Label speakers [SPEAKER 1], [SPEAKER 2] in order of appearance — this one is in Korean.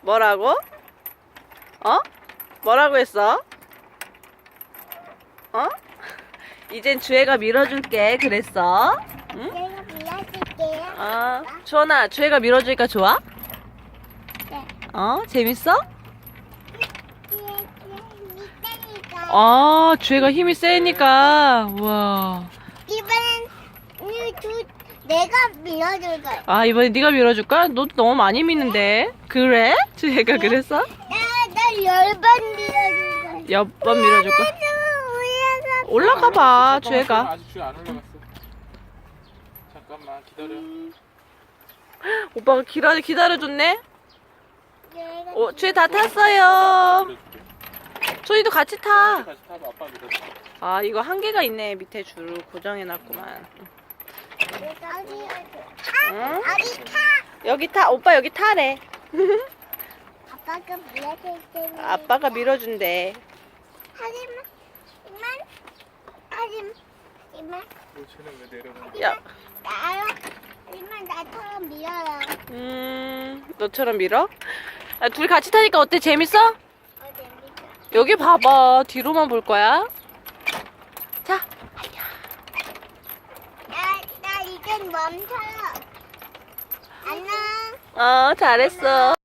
[SPEAKER 1] 뭐라고? 어? 뭐라고 했어? 어? 이젠 주혜가 밀어줄게 그랬어? 응?
[SPEAKER 2] 내가 밀어줄게요.
[SPEAKER 1] 주원아, 주혜가 밀어주니까 좋아?
[SPEAKER 2] 네.
[SPEAKER 1] 재밌어?
[SPEAKER 2] 이따니까.
[SPEAKER 1] 주혜가 힘이 세니까. 우와.
[SPEAKER 2] 이번엔 내가 밀어줄 거야.
[SPEAKER 1] 이번에 네가 밀어줄까? 너 너무 많이 미는데. 그래? 주혜가 그랬어?
[SPEAKER 2] 나 10번 밀어줄 거야.
[SPEAKER 1] 몇 번 밀어줄까? 올라가 봐, 주혜가.
[SPEAKER 3] 아직 주혜 안 올라갔어. 잠깐만 기다려.
[SPEAKER 1] 오빠가 기다려줬네? 주혜 다 탔어요. 조이도 같이 타.
[SPEAKER 3] 다시 타봐. 아빠 믿어.
[SPEAKER 1] 이거 한계가 있네. 밑에 줄을 고정해놨구만. 응?
[SPEAKER 2] 어디 타?
[SPEAKER 1] 여기 타. 오빠 여기 타래.
[SPEAKER 2] 아빠가 밀어줄 테니.
[SPEAKER 1] 아빠가 밀어준대.
[SPEAKER 2] 하지만
[SPEAKER 3] 쟤는 왜 내려가?
[SPEAKER 1] 야,
[SPEAKER 2] 하지만 나처럼 밀어요.
[SPEAKER 1] 너처럼 밀어? 둘이 같이 타니까 어때? 재밌어?
[SPEAKER 2] 재밌어.
[SPEAKER 1] 여기 봐봐. 뒤로만 볼 거야. 자.
[SPEAKER 2] 나 이젠 멈춰요. 안녕.
[SPEAKER 1] 잘했어.